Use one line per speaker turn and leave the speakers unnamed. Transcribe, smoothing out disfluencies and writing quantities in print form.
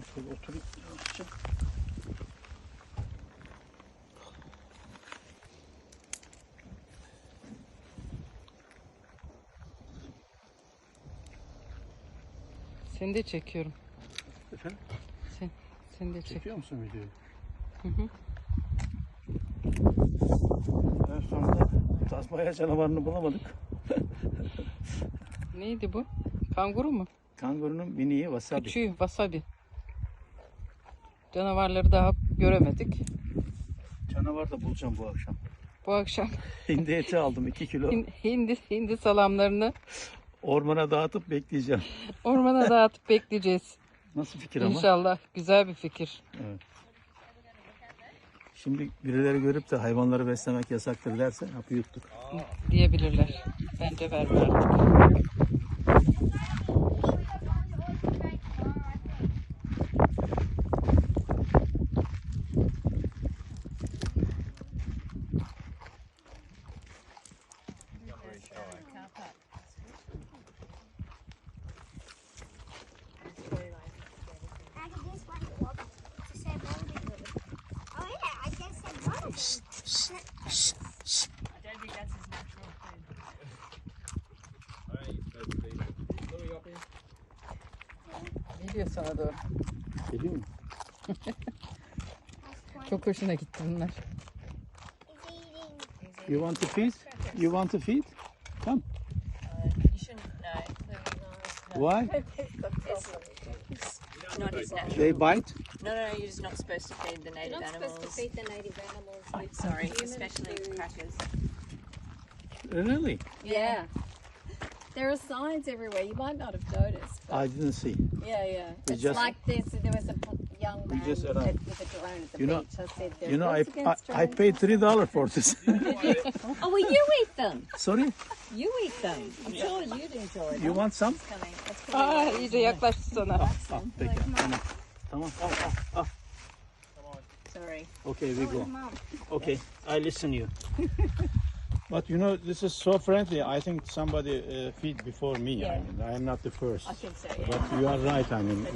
Şöyle oturayım yavaşça.
Seni de çekiyorum.
Efendim?
Seni de çekiyorum.
Çekiyor musun videoyu?
Hı hı.
En sonunda Tasmanya canavarını bulamadık.
Neydi bu? Kanguru mu?
Kangurunun miniği wasabi.
Küçüğü wasabi. Canavarları daha göremedik.
Canavar da bulacağım bu akşam.
Bu akşam
Hindi eti aldım 2 kilo.
hindi salamlarını
Ormana dağıtıp bekleyeceğim.
ormana dağıtıp bekleyeceğiz.
Nasıl fikir ama?
İnşallah. Güzel bir fikir.
Evet. Şimdi birileri görüp de hayvanları beslemek yasaktır derse hapı yuttuk.
Diyebilirler. Bence verme artık. Geliyor sana doğru.
Geliyor mu?
Çok hoşuna gitti bunlar.
You want to feed? You want to feed? Come.
You shouldn't know.
Why?
It's not his natural.
They bite?
No, you're just not supposed to feed the native
You're not
animals.
supposed to feed the native animals with
Sorry,
human
especially
food.
crackers.
Really?
Yeah. There are signs everywhere. You might not have noticed. But
I didn't see.
yeah.
We
It's
just-
like this. There was a young man
just
with
arrived.
a drone at the
You know-
beach. I said, "There's
You know,
laws against
I
drones."
paid $3 for this.
Oh, well, you eat them.
Sorry?
You eat them. I'm sure you'd enjoy them.
You want some?
It's coming. It's coming.
Aa, iyice yaklaştı sana.
Ah, peki. Tamam. Tamam. Al.
Sorry.
Okay, we go. Okay, I listen you. But you know, this is so friendly. I think somebody feed before me.
Yeah.
I am not the first.
I think so, yeah.
But you are right. I mean,